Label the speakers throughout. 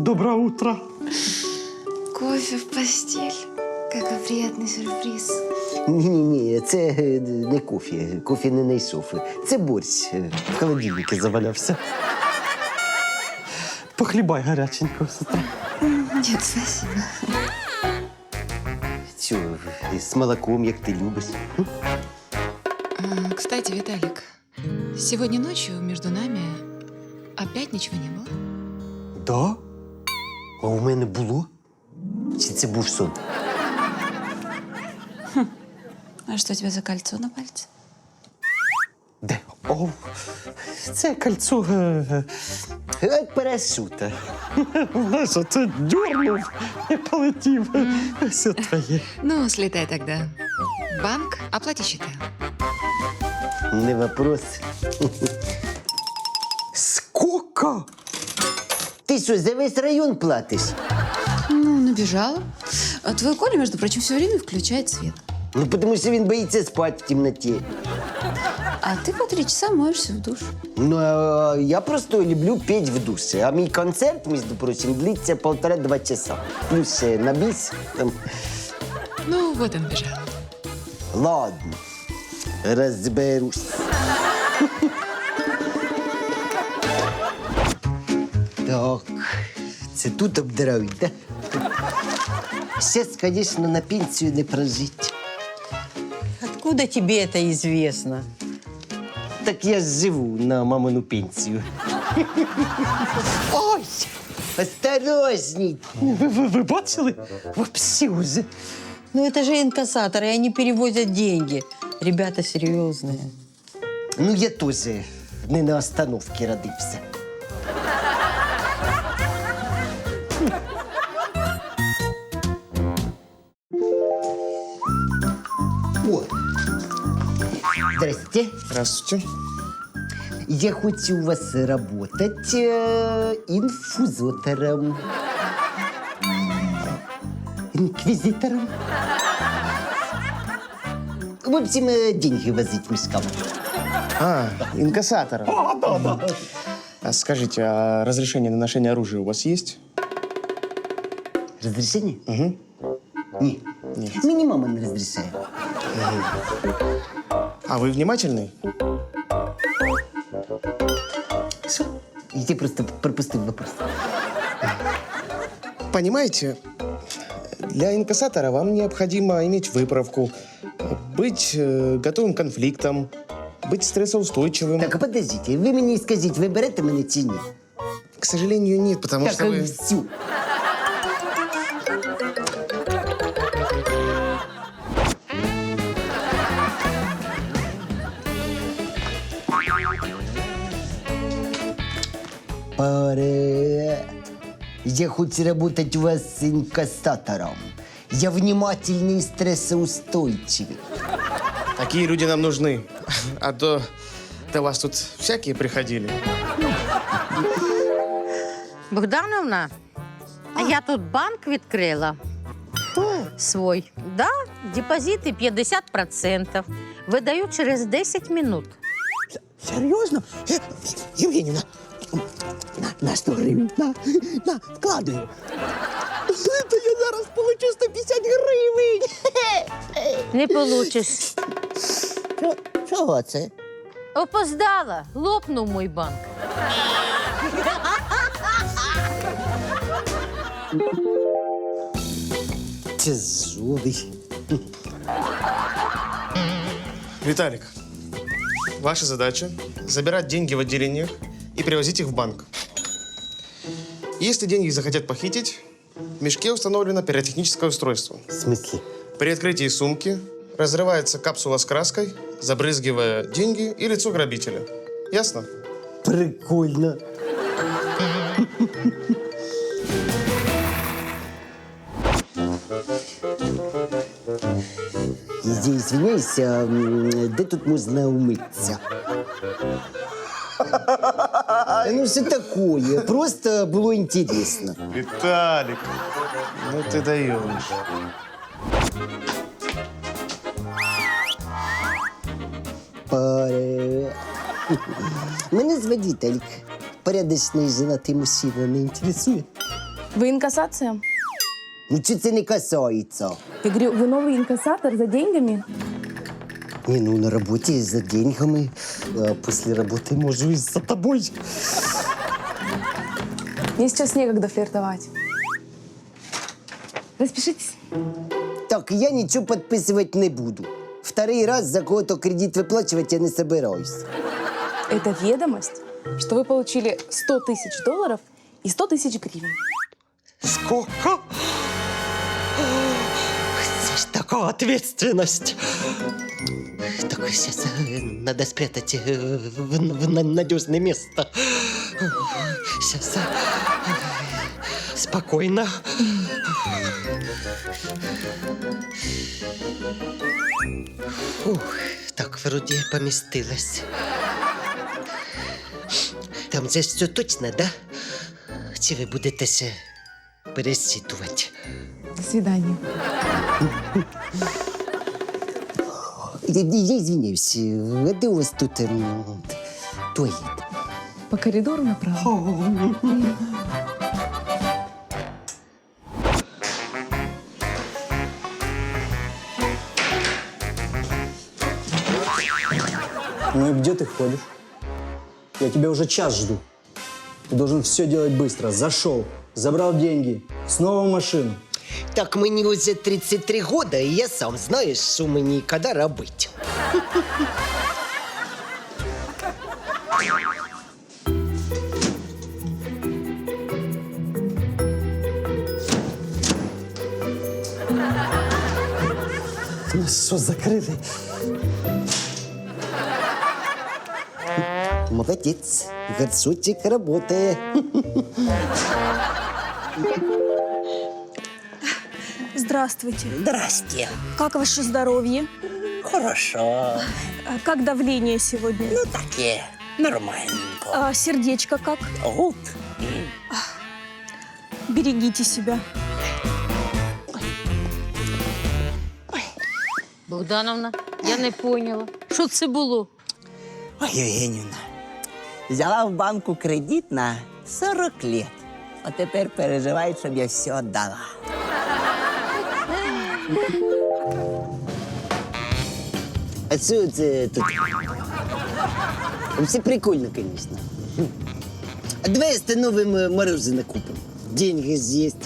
Speaker 1: Доброе утро.
Speaker 2: Кофе в постель. Какой приятный сюрприз.
Speaker 3: Ні, це не кофе. Кофе не знайшов. Це борщ. В холодильнику завалявся.
Speaker 1: Похлебай горяченького с утра.
Speaker 2: Нет, спасибо.
Speaker 3: Все, з молоком, як ти любиш.
Speaker 4: Кстати, Виталик, сегодня ночью между нами опять ничего не было?
Speaker 3: Да? А у мене було? Чи це був сон?
Speaker 2: А что у тебя за кольцо на пальце?
Speaker 3: Де?
Speaker 1: О, це кольцо...
Speaker 3: От парашута.
Speaker 1: Знаєш, це дьорнув і полетів. Все твоє.
Speaker 4: Ну, слетай тогда. Банк, оплати счета.
Speaker 3: Не вопрос.
Speaker 1: Сколько?
Speaker 3: Ти що, за весь район платиш?
Speaker 2: Ну, набежала. А твой Коля, между прочим, все время включает свет.
Speaker 3: Ну, тому що він боїться спати в темноті.
Speaker 2: А ты по 3 часа моешься в душ.
Speaker 3: Ну, а я просто люблю петь в душі. А мій концерт, між прочим, длиться 1,5-2 часа. Плюс ще на біс. Там...
Speaker 4: Ну, вот он бежал.
Speaker 3: Ладно, розберусь. Так, це тут обдирають, да? Зараз, звісно, на пенсію не прожити.
Speaker 5: Откуда тебе это известно?
Speaker 3: Так я ж живу на мамину пенсію. Ой! Осторожней!
Speaker 1: Ви бачили? Вообще уже.
Speaker 5: Ну это же инкассаторы, они перевозят деньги. Ребята серьезные.
Speaker 3: Ну, я теж не на остановці родився. О! Здрасте.
Speaker 6: Здравствуйте.
Speaker 3: Я хочу у вас работать инфузотором. Инквизитором. В общем, деньги возить мешкам.
Speaker 6: Инкассатор. А скажите, а разрешение на ношение оружия у вас есть?
Speaker 3: Разрешение?
Speaker 6: Угу.
Speaker 3: Нет.
Speaker 6: Нет.
Speaker 3: Мне мама не разрешает.
Speaker 6: А вы внимательный?
Speaker 3: Что? Я просто пропустил вопрос.
Speaker 6: Понимаете, для инкассатора вам необходимо иметь выправку, быть готовым к конфликтам, быть стрессоустойчивым.
Speaker 3: Так, а подождите, вы мне скажите, вы берете меня чи ні?
Speaker 6: К сожалению, нет, потому
Speaker 3: Так,
Speaker 6: что вы...
Speaker 3: все. Привет. Я хочу работать у вас с инкассатором. Я внимательный и стрессоустойчивый.
Speaker 6: Такие люди нам нужны. А то до вас тут всякие приходили.
Speaker 7: Богдановна, а я тут банк відкрила. Свой. Да, депозити 50%. Видаю через 10 минут.
Speaker 8: Серйозно? Євгенівна, на 100 гривень, на, вкладаю. То я зараз получу 150 гривень.
Speaker 7: Не получиш.
Speaker 8: Чого це?
Speaker 7: Опоздала. Лопнув мій банк.
Speaker 3: Тяжелый.
Speaker 6: Виталик, ваша задача – забирать деньги в отделениях и перевозить их в банк. Если деньги захотят похитить, в мешке установлено пиротехническое устройство.
Speaker 3: В смысле?
Speaker 6: При открытии сумки разрывается капсула с краской, забрызгивая деньги и лицо грабителя. Ясно?
Speaker 3: Прикольно. Я извиняюсь, а де тут можна умитися? Ну, все такое. Просто было интересно.
Speaker 6: Виталик, ну ты даешь.
Speaker 3: Привет. Мене звати Віталік. Порядочний женатий мужчина не інтересує.
Speaker 9: Вы инкассация?
Speaker 3: Ну, чи це не касається?
Speaker 9: Я говорю, вы новый инкассатор за деньгами?
Speaker 3: Не, ну на работе за деньгами, а после работы можу и за тобой.
Speaker 9: Мне сейчас некогда флиртовать. Распишитесь.
Speaker 3: Так, я ничего подписывать не буду. Второй раз за кого-то кредит выплачивать я не собираюсь.
Speaker 9: Это ведомость, что вы получили $100 000 и 100 000 гривен.
Speaker 1: Сколько? Это ж такая ответственность.
Speaker 8: Так, сейчас надо спрятать в надежное место.
Speaker 1: Сейчас. Спокойно.
Speaker 8: Фух, так, вроде помістилась. Там же все точно, да? Чи ви будете ще пересчитувати?
Speaker 9: До свидания.
Speaker 3: Я извиняюсь, а где у вас тут туалет?
Speaker 9: По коридору направо.
Speaker 10: Ну и где ты ходишь? Я тебя уже час жду. Ты должен все делать быстро. Зашел, забрал деньги, снова в машину.
Speaker 8: Так, мені вже 33 года, і я сам знаю, що мені коли робити.
Speaker 1: Нас що, закрили?
Speaker 3: Молодец, горшочек работает.
Speaker 11: Здравствуйте.
Speaker 8: Здрасте.
Speaker 11: Как ваше здоровье?
Speaker 8: Хорошо.
Speaker 11: Как давление сегодня?
Speaker 8: Ну, таке, нормальненько.
Speaker 11: А сердечко как?
Speaker 8: От.
Speaker 11: Берегите себя.
Speaker 7: Богдановна, я не поняла. Що це було?
Speaker 8: Ой, Євгенівна, взяла в банку кредит на 40 лет. А тепер переживає, щоб я все віддала.
Speaker 3: А что это тут? Все прикольно, конечно. А давай остановим мороженое купим. Деньги есть.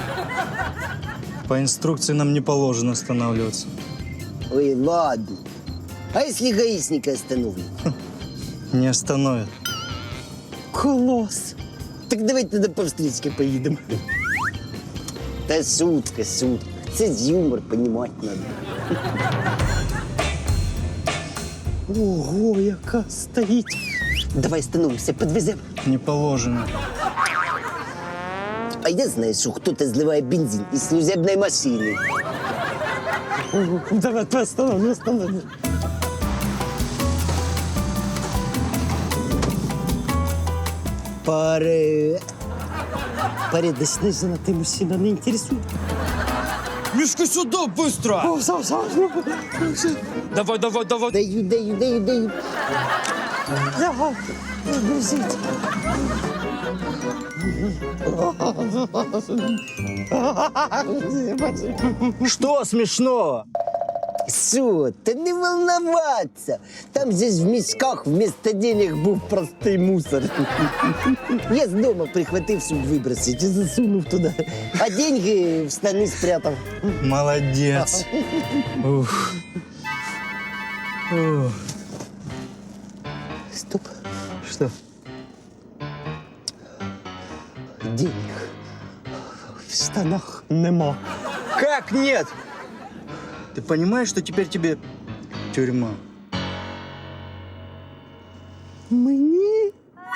Speaker 10: По инструкции нам не положено останавливаться.
Speaker 3: Ой, ладно. А если гаишника остановим?
Speaker 10: Не остановят.
Speaker 3: Класс. Так давай тогда по встречке поедем. Да шутка, шутка. Це юмор, понимать надо.
Speaker 1: Ого, яка стоїть.
Speaker 3: Давай остановимся, подвезем.
Speaker 10: Не положено.
Speaker 3: А я знаю, что кто-то сливает бензин из служебной машины.
Speaker 1: Давай, останови.
Speaker 3: Порядочный женатый мужчина не интересует.
Speaker 1: Мишка, сюда, быстро! Давай.
Speaker 3: Даю.
Speaker 1: Давай, грузить.
Speaker 10: Что смешного?
Speaker 3: Что? Да не волноваться. Там здесь в мешках вместо денег был простой мусор. Я с дома прихватил, чтобы выбросить, и засунув туда. А деньги в штаны спрятал.
Speaker 10: Молодец. Ух. Ух.
Speaker 3: Стоп.
Speaker 10: Что?
Speaker 3: Денег в штанах нема.
Speaker 10: Как нет? Ты понимаешь, что теперь тебе тюрьма?
Speaker 3: Мне?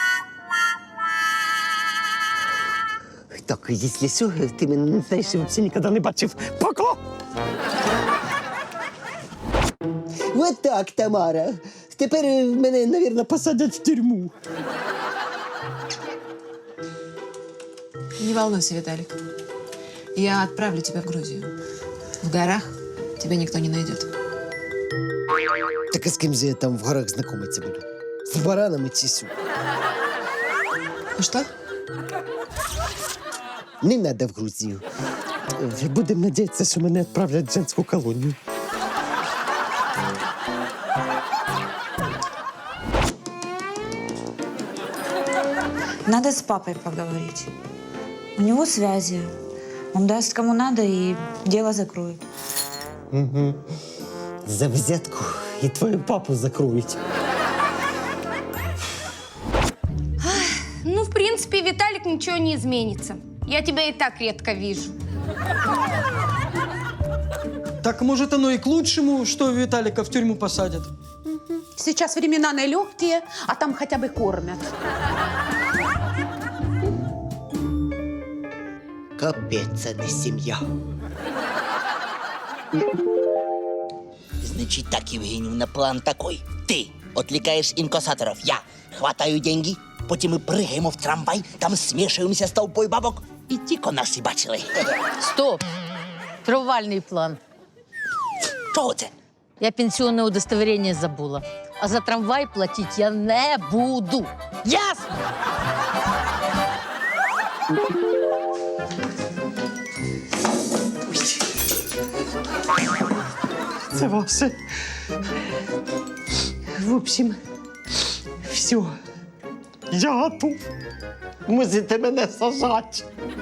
Speaker 3: Так, если все, ты меня настоящий вообще никогда не бачив. Пока! Вот так, Тамара. Тепер мене, наверное, посадять в тюрьму.
Speaker 4: Не волнуйся, Виталик. Я отправлю тебя в Грузию. В горах тебя никто не найдет.
Speaker 3: Так а с кем же я там в горах знакомиться буду? С бараном и чесу.
Speaker 4: Ну что?
Speaker 3: Не треба в Грузію.
Speaker 1: Будемо надіятися, що мене відправлять в женську колонію.
Speaker 11: Надо с папой поговорить. У него связи. Он даст кому надо и дело закроет.
Speaker 3: За взятку і твою папу закроють.
Speaker 7: Ну, в принципе, Виталик, ничего не изменится. Я тебя и так редко вижу.
Speaker 10: Так может оно и к лучшему, что Виталика в тюрьму посадят.
Speaker 2: Сейчас времена нелегкие, а там хотя бы кормят.
Speaker 3: Капець, а не сім'я.
Speaker 8: Значит так, Евгеньевна, план такой. Ты отвлекаешь инкассаторов, я хватаю деньги, потім ми пригаємо в трамвай, там смішуємося з толпою бабок і тільки нас і бачили.
Speaker 7: Стоп. Провальный план.
Speaker 8: Чого це?
Speaker 7: Я пенсионное удостоверение забыла. А за трамвай платить я не буду. Ясно?
Speaker 1: Це ваше. В общем, все. Я готов. Можете мене сажати.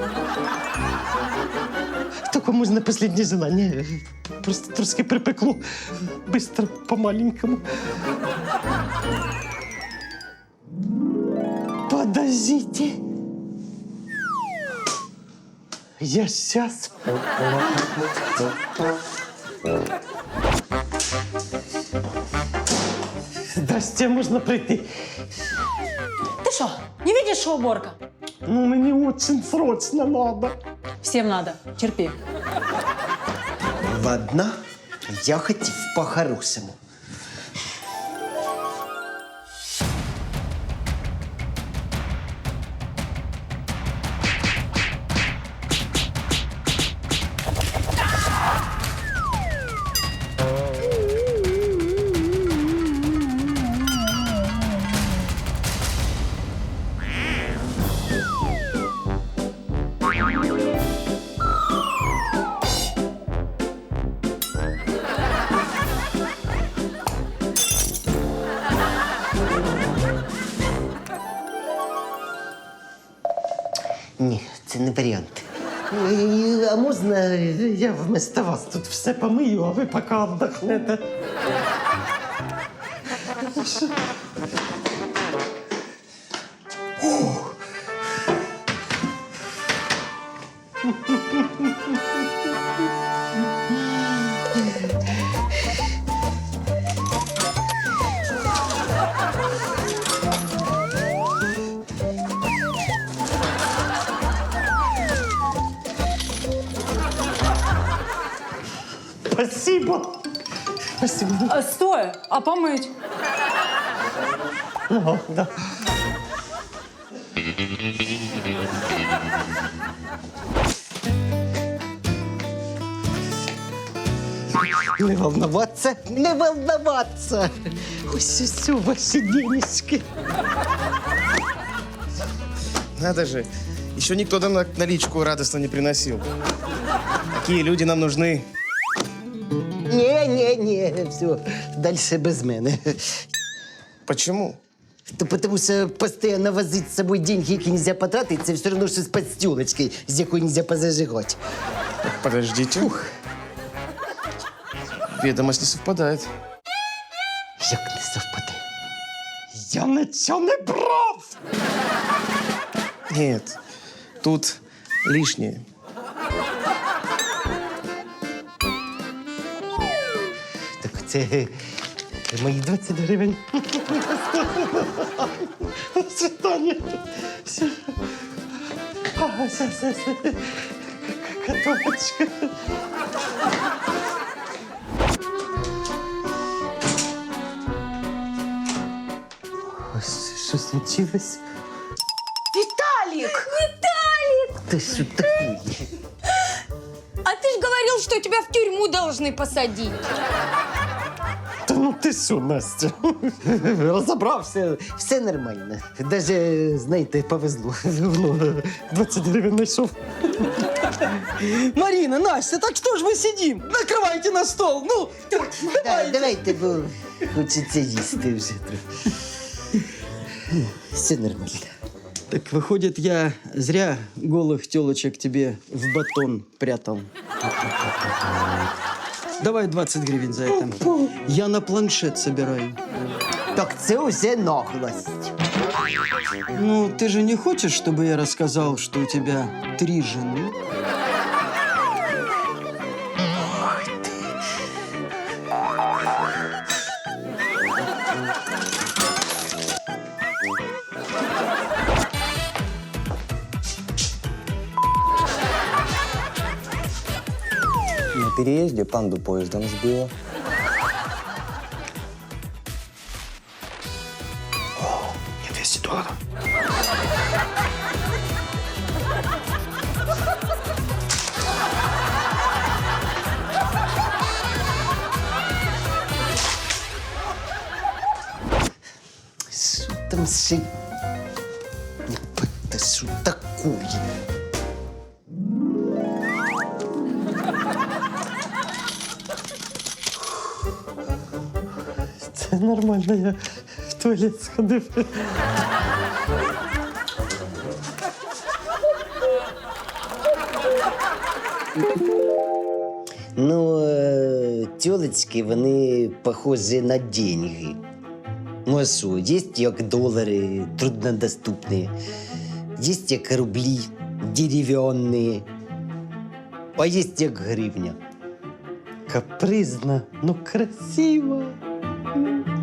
Speaker 1: Тільки можна останнє желання. Просто трошки припекло. Быстро, по-маленькому. Подождите. Я сейчас. Здрасте, можно прийти?
Speaker 5: Ты что, не видишь, что уборка?
Speaker 1: Ну, мне очень срочно надо.
Speaker 5: Всем надо. Терпи.
Speaker 3: Ладно, я хотів по-хорошому. Ні, це не варіант. А можна
Speaker 1: Я вместо вас тут все помию, а ви поки віддохнете. Спасибо. Спасибо.
Speaker 5: Стой, а помыть?
Speaker 1: Ага, да.
Speaker 3: не волноваться, не волноваться.
Speaker 1: Ось все ваші денежки.
Speaker 6: Надо же, еще никто нам наличку радостно не приносил. Такие люди нам нужны.
Speaker 3: Не, все, дальше без мене.
Speaker 6: Почему?
Speaker 3: То потому що постійно возити з собою деньги, які нельзя потратити, це все одно, що з подстілочкою, з якою нельзя позажигати.
Speaker 6: Подождите. Ведомость не совпадает.
Speaker 3: Як не совпаде?
Speaker 1: Я нічого не брав.
Speaker 6: Нет, тут лишнее.
Speaker 3: Так це мої 20 гривень.
Speaker 1: Свидание. Сейчас. Котовочка. Что случилось?
Speaker 11: Виталик!
Speaker 3: Ты что такое?
Speaker 7: А ты ж говорил, что тебя в тюрьму должны посадить.
Speaker 1: Да Та ну ти що, Настя?
Speaker 3: Розібрався, все нормально. Даже, знаєте, повезло.
Speaker 1: Ну, 20 гривень знайшов.
Speaker 10: Марина, Настя, так что ж мы сидим? Накрывайте на стол. Ну,
Speaker 3: Давайте, бо хочеться їсти вже трохи. Все нормально.
Speaker 10: Так выходит, я зря голых телочек тебе в батон прятал. Давай 20 гривен за это. Я на планшет собираю.
Speaker 3: Так це уже наглость.
Speaker 10: Ну, ты же не хочешь, чтобы я рассказал, что у тебя 3 жены?
Speaker 12: На переезде панду поездом сбила.
Speaker 1: Мне 200 долларов.
Speaker 3: Що там ще? Та що такое?
Speaker 1: Це нормально, я в туалет сходив.
Speaker 3: Ну, тілочки, вони похожі на деньги. Ну а що, є як долари, труднодоступні, є як рублі, дерев'яні, а є як гривня.
Speaker 1: Капризна, но красива.